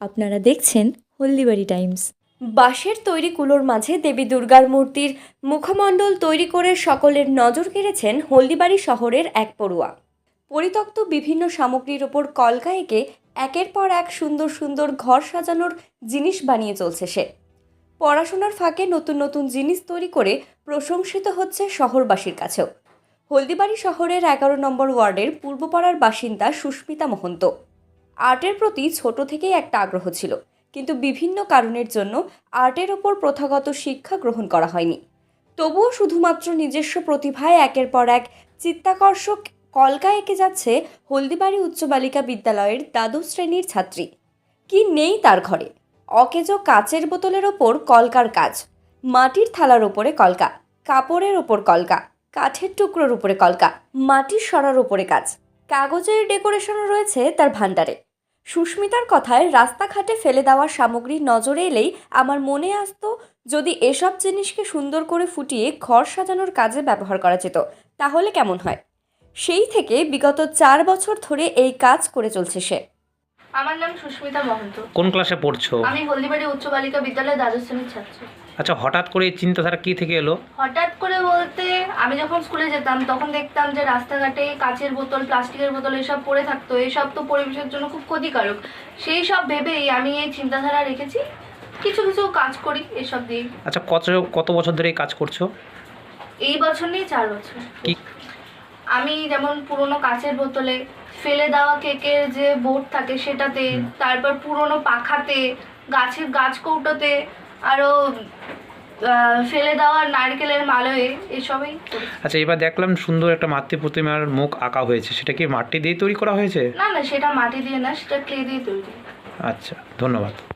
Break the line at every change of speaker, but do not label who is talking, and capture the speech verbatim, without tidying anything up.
আপনারা দেখছেন হলদিবাড়ি টাইমস। বাঁশের তৈরি কুলোর মাঝে দেবী দুর্গার মূর্তির মুখমণ্ডল তৈরি করে সকলের নজর কেড়েছেন হলদিবাড়ি শহরের এক পড়ুয়া। পরিত্যক্ত বিভিন্ন সামগ্রীর ওপর কলকা এঁকে একের পর এক সুন্দর সুন্দর ঘর সাজানোর জিনিস বানিয়ে চলছে সে। পড়াশোনার ফাঁকে নতুন নতুন জিনিস তৈরি করে প্রশংসিত হচ্ছে শহরবাসীর কাছেও। হলদিবাড়ি শহরের এগারো নম্বর ওয়ার্ডের পূর্বপাড়ার বাসিন্দা সুস্মিতা মহন্ত। আর্টের প্রতি ছোট থেকেই একটা আগ্রহ ছিল, কিন্তু বিভিন্ন কারণের জন্য আর্টের ওপর প্রথাগত শিক্ষা গ্রহণ করা হয়নি। তবুও শুধুমাত্র নিজস্ব প্রতিভায় একের পর এক চিত্তাকর্ষক কলকা এঁকে যাচ্ছে হলদিবাড়ি উচ্চ বালিকা বিদ্যালয়ের দ্বাদশ শ্রেণীর ছাত্রী। কি নেই তার ঘরে? অকেজো কাচের বোতলের ওপর কলকার কাজ, মাটির থালার ওপরে কলকা, কাপড়ের ওপর কলকা, কাঠের টুকরোর উপরে কলকা, মাটির সরার উপরে কাজ, কাগজের ডেকোরেশনও রয়েছে তার ভাণ্ডারে। সুস্মিতার কথায় রাস্তাঘাটে ফেলে দেওয়া সামগ্রী নজরে এলেই আমার মনে আসতো, যদি এসব জিনিসকে সুন্দর করে ফুটিয়ে ঘর সাজানোর কাজে ব্যবহার করা যেত তাহলে কেমন হয়। সেই থেকে বিগত চার বছর ধরে এই কাজ করে চলছে সে।
আমার নাম সুস্মিতা মহন্ত।
কোন ক্লাসে পড়ছো?
আমি হলদিবাড়ি উচ্চ বালিকা বিদ্যালয়ে দ্বাদশ শ্রেণীর ছাত্রী।
আচ্ছা, হঠাৎ করে এই চিন্তাধারা কি থেকে এলো?
হঠাৎ করে বলতে, আমি যখন স্কুলে যেতাম তখন দেখতাম যে রাস্তাঘাটে কাচের বোতল, প্লাস্টিকের বোতল এসব পড়ে থাকতো। এসব তো পরিবেশের জন্য খুব ক্ষতিকারক। সেই সব ভেবেই আমি এই চিন্তাধারা রেখেছি, কিছু কিছু কাজ করি এসব দিয়ে।
আচ্ছা, কত কত বছর ধরে এই কাজ করছো?
এই বছর নিয়ে চার বছর।
কি?
আমি যেমন পুরোনো কাচের বোতলে ফেলে দেওয়া কেকের যে বোর্ড থাকে সেটাতে, তারপর পুরোনো পাখাতে, গাছের গাছ কৌটোতে, আরও ফেলে দেওয়া নারকেলের মালয়ে, এসবই।
আচ্ছা, এবার দেখলাম সুন্দর একটা মাতৃ প্রতিমার মুখ আঁকা হয়েছে, সেটা কি মাটি দিয়ে তৈরি করা হয়েছে?
না না, সেটা মাটি দিয়ে না, সেটা ক্লে দিয়ে তৈরি।
আচ্ছা, ধন্যবাদ।